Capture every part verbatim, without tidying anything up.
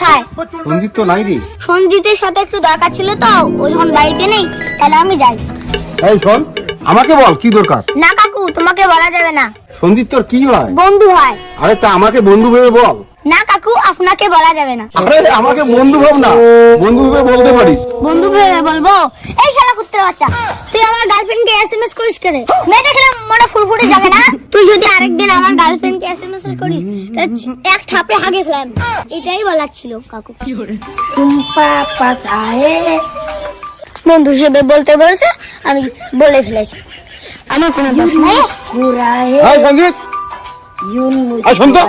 কোথায়? সঞ্জিত তো নাই রে। সঞ্জিতের সাথে একটু দরকার ছিল তো, ও যখন বাড়িতে নেই তাহলে আমি যাই। এই শোন, আমাকে বল কি দরকার। না কাকু, তোমাকে বলা যাবে না। সঞ্জিত তোর কি হয়? বন্ধু হয়। আরে তা আমাকে বন্ধু ভেবে বল। না কাকু, আপনাকে বলা যাবে না। আরে আমাকে বন্ধু ভাব না, বন্ধু ভেবে বলতে পারিস। বন্ধু ভেবে বলবো? এই শালা কুত্তের বাচ্চা, তুই আমার গার্লফ্রেন্ডকে এসএমএস করিস কেন? মেয়ে দেখলে মনে ফুরফুরে যাবে না? তুই যদি আরেকদিন আমার গার্লফ্রেন্ডকে এসএমএস করিস তাহলে এক থাপড়ে হাগে ফেলাম। এটাই বলার ছিল কাকু। টুম্পা পাতায়ে বন্ধু হিসেবে বলতে বলছে, আমি বলে ফেলেছি। আমার কোনো দোষ নাই। এই সঞ্জিত, এই শোন তো।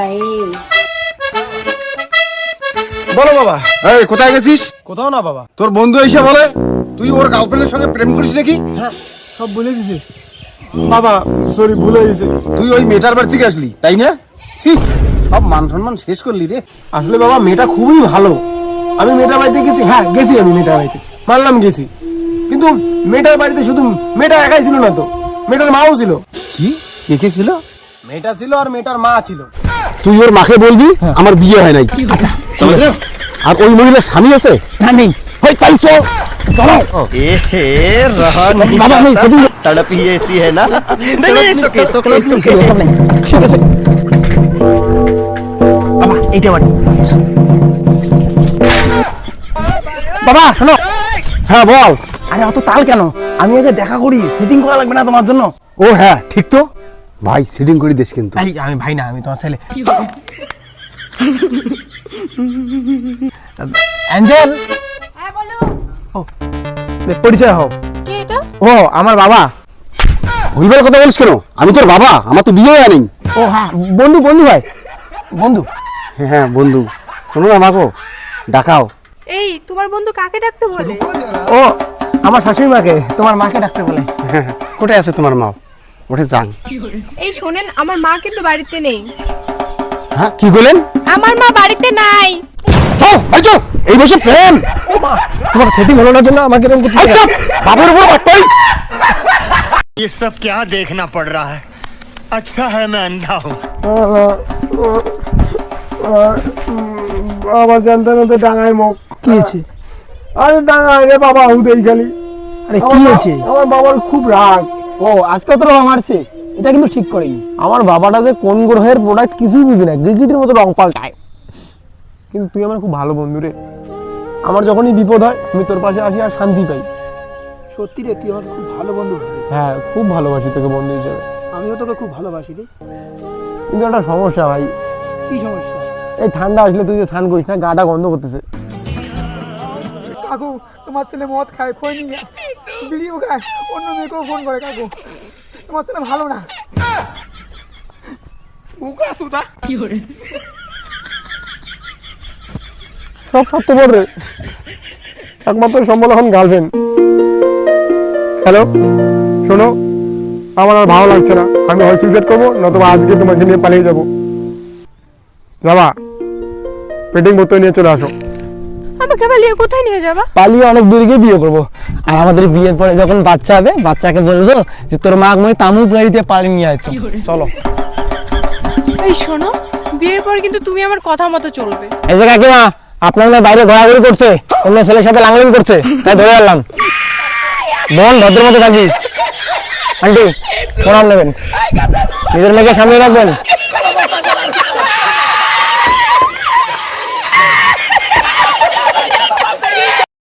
বলো বাবা। এই কোথায় গেছিস? কোথাও না বাবা। তোর বন্ধু এসে বলে তুই ওর গার্লফ্রেন্ডের সঙ্গে প্রেম করিস নাকি? হ্যাঁ, সব বলে দিছে বাবা। সরি, ভুল হয়ে গেছে। তুই ওই মেয়েটার বাড়ি থেকে আসলি তাই না? ছি, সব মান সম্মান শেষ করলি রে। আসলে বাবা মেয়েটা খুবই ভালো। আমি মেয়েটার বাড়িতে গেছি, হ্যাঁ গেছি, আমি মেয়েটার বাড়িতে মানলাম গেছি, কিন্তু মেয়েটার বাড়িতে শুধু মেয়েটা একাই ছিল না তো, মেয়েটার মাও ছিল। কি কে কে ছিল? মেয়েটা ছিল আর মেয়েটার মা ছিল। তুই ওর মাকে বলবি আমার বিয়ে হয় নাই। আচ্ছা, আর ওই মহিলার স্বামী আছে না? নেই। হয় তাই চল, চলো। ए रहा नहीं बाबा, नहीं, सभी लोग- तड़प ही ऐसी है ना। नहीं नहीं सुके सुके सुके ঠিক আছে। বাবা এইটা বাড়ি। বাবা শোনো। হ্যাঁ বল। আরে অত তাল কেন? আমি আগে দেখা করি, সেটিং করা লাগবে না তোমার জন্য? ও হ্যাঁ ঠিক তো ভাই, সিটিং করে দিস কিন্তু। এই আমি ভাই না, আমি তোমার ছেলে। অ্যাঞ্জেল, হ্যাঁ বলো। ও পরিচয় হও। কি এটা? ও আমার বাবা। ভুলবার কথা বলিস কেন? আমি তোর বাবা, আমার তো বিয়ে হয় নাই। ও হ্যাঁ, বন্ধু বন্ধু ভাই, বন্ধু। হ্যাঁ হ্যাঁ বন্ধু, শোনো না আমাকে ডাকাও। এই তোমার বন্ধু কাকে ডাকতে বলে? ও আমার শাশুড়ি মাকে, তোমার মাকে ডাকতে বলে। হ্যাঁ, কোথায় আছে তোমার মা? ওঠে যান। এই শোনেন, আমার মা কিন্তু বাড়িতে নেই। হ্যাঁ কি বলেন? আমার মা বাড়িতে নাই। চল ভাই চল, এই বসে প্রেম। ও মা, তোমার সেটিং হলো না জন্য আমাকে এরকম করতে আচ্ছা বাবার উপর বাটপাই। ये सब क्या देखना पड़ रहा है? अच्छा है मैं अंधा हूँ। বাবা জানতে না ডাঙায় মুখ কি হয়েছে? আরে ডাঙায় রে বাবা, হুদেই খালি। আরে কি হয়েছে? আমার বাবার খুব রাগ। ও আজকে তো রং মারছে, এটা কিন্তু ঠিক করেনি। আমার বাবাটা যে কোন গ্রহের প্রোডাক্ট কিছুই বুঝি না, গিরগিটির মতো রং পাল্টায়। কিন্তু তুই আমার খুব ভালো বন্ধু রে। আমার যখনই বিপদ হয় আমি তোর পাশে আসি আর শান্তি পাই। সত্যি রে, তুই আমার খুব ভালো বন্ধু। হ্যাঁ, খুব ভালোবাসি তোকে বন্ধু হিসেবে। আমিও তোকে খুব ভালোবাসি রে। কিন্তু একটা সমস্যা ভাই। কি সমস্যা? এই ঠান্ডা আসলে তুই যে স্নান করিস না, গাটা গন্ধ করতেছে। কাকু, তোমার ছেলে মদ খায়, খৈনি খায়, বিড়িও খায়, অন্য মেয়েকেও ফোন করে। কাকু, তোমার ছেলে ভালো না। মুখা সুতা সব স্বার্থপর রে, একমাত্র সম্বল এখন গার্লফ্রেন্ড। হ্যালো শোনো, আমার আর ভালো লাগছে না, আমি হয় সুইসাইড করবো, নতুবা আজকে তোমাকে নিয়ে পালিয়ে যাবো। যাবা পেটিং বোতল নিয়ে চলে আসো। আমাকে পালিয়ে কোথায় নিয়ে যাবা? পালিয়ে অনেক দূরে গিয়ে বিয়ে করবো, আর আমাদের বিয়ের পরে যখন বাচ্চা হবে, বাচ্চাকে বলবো যে তোর মা মই তামুক গাড়ি দিয়ে পালিয়ে নিয়ে আসছো। চলো। এই শোনো, বিয়ের পর কিন্তু তুমি আমার কথা মতো চলবে। এই যে কাকিমা, আপনার মেয়ে বাইরে ঘোরাঘুরি করছে, অন্য ছেলের সাথে লাংলিং করছে, তাই ধরে আনলাম। বোন ভদ্র মতো থাকিস। আন্টি প্রণাম নেবেন, নিজের মেয়েকে সামনে রাখবেন।